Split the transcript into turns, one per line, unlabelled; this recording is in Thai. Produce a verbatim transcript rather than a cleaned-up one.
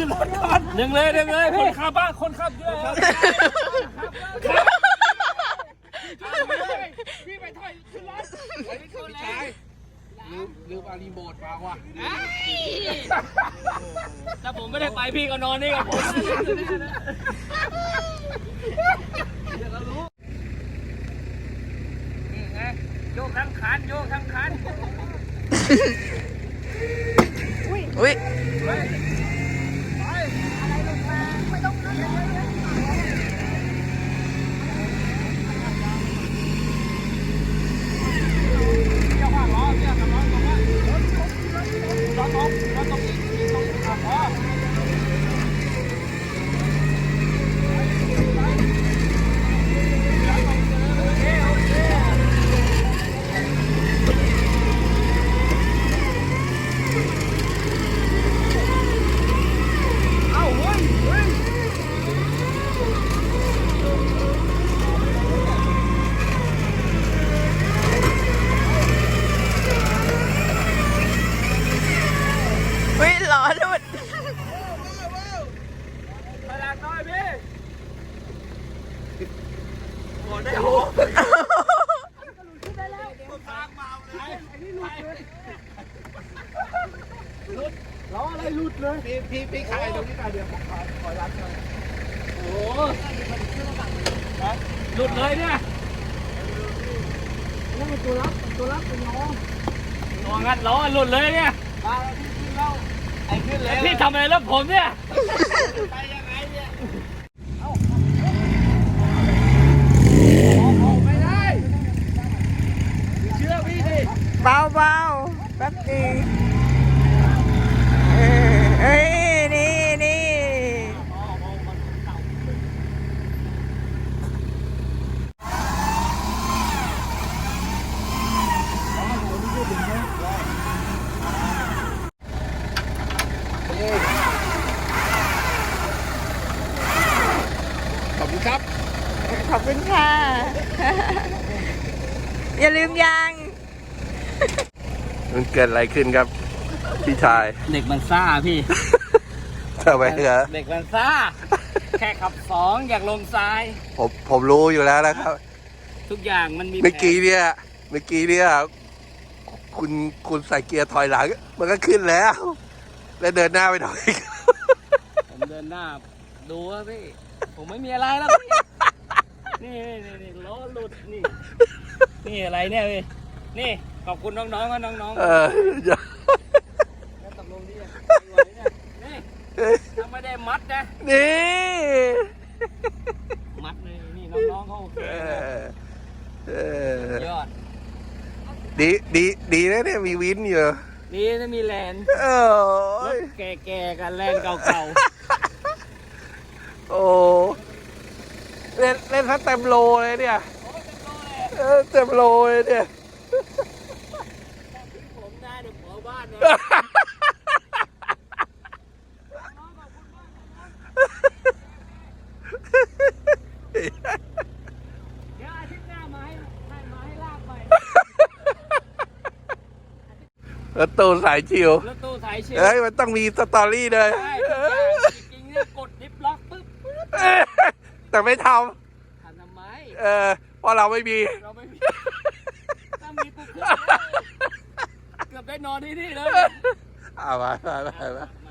นรถก่อนดึงเลยดึงเลยคนขับบ้าคนขับเยอะพี่ไปถอยขึ้นรถพี่ชายลืมลืมเอารีโมทมาว่ะถ้าผมไม่ได้ไปพี่ก็นอนนี่กับผมนี่ไงโยกทั้งคันโยกทั้งคันอุ้ยอุ้ยไปอะไรลงมาไม่ต้องเยอะล้ออะไรหลุดเลยพี่พี่พี่ขายตรงนี้กันเดี๋ยวผมขอขอรับหน่อยโอ้โหหลุดเลยเนี่ยนั่นเป็นตัวรับตัวรับเป็นล้อตัวงัดล้อหลุดเลยเนี่ยมาพี่ขึ้นแล้วไอ้ขึ้นแล้วพี่ทำอะไรแล้วผมเนี่ยไปยังไงเนี่ยเอาไม่ได้เชื่อพี่ดิเบาเบาแป๊บนึงเอ้ยนี่นี่ขอบคุณครับขอบคุณค่ะอย่าลืมยัง
มันเกิดอะไรขึ้นครับพี่ชาย
เด็กมันซ่าพี่
ทำไมเหรอ
เด็กมันซ่าแค่ขับสองอยากลงทราย
ผมผมรู้อยู่แล้วนะครับ
ทุกอย่างมันมี
เมื่อกี้เนี่ยเมื่อกี้เนี่ยคุณคุณใส่เกียร์ถอยหลังมันก็ขึ้นแล้วแล้วเดินหน้าไปหน่อย
ผมเดินหน้าดูว่าพี่ผมไม่มีอะไรแล้วนี่นี่นี่ล้อหลุดนี่นี่อะไรเนี่ยพี่นี่ขอบคุณน้องๆว่าน้องๆเออแล้วตกลงนี่นี่ทำไม่ได้มัดนะ
นี่
มัดเลยนี่น้องๆเขาโอเคยอด
ดีดีดีนะเนี่ยมีวินอยู่
ดีนะมีแลน
เออ
แก่ๆกันแลนเก่า
ๆโอ้เล่นเล่นทั้งเต็มโลเลยเนี่ยเออเต็มโลเลยเนี่ย
ผมหน้าเดี๋ยวขอบ้านนะเดี๋ยวอาทิตย์หน้ามาให้มาให้ลากไป
รถตู้สายชิว
รถตู้สายชิว
เฮ้ยมันต้องมีสตอรี่เลย
ใช่จริงๆเนี่ยกดดิฟล็อกปึ๊บ
แต่ไม่ท
ำทำทำไม
เออเพราะเราไม่มี
เราไม่มีถ้ามีปุ๊บเกือบได้นอนที่นี่เลย
เอาไปไปไป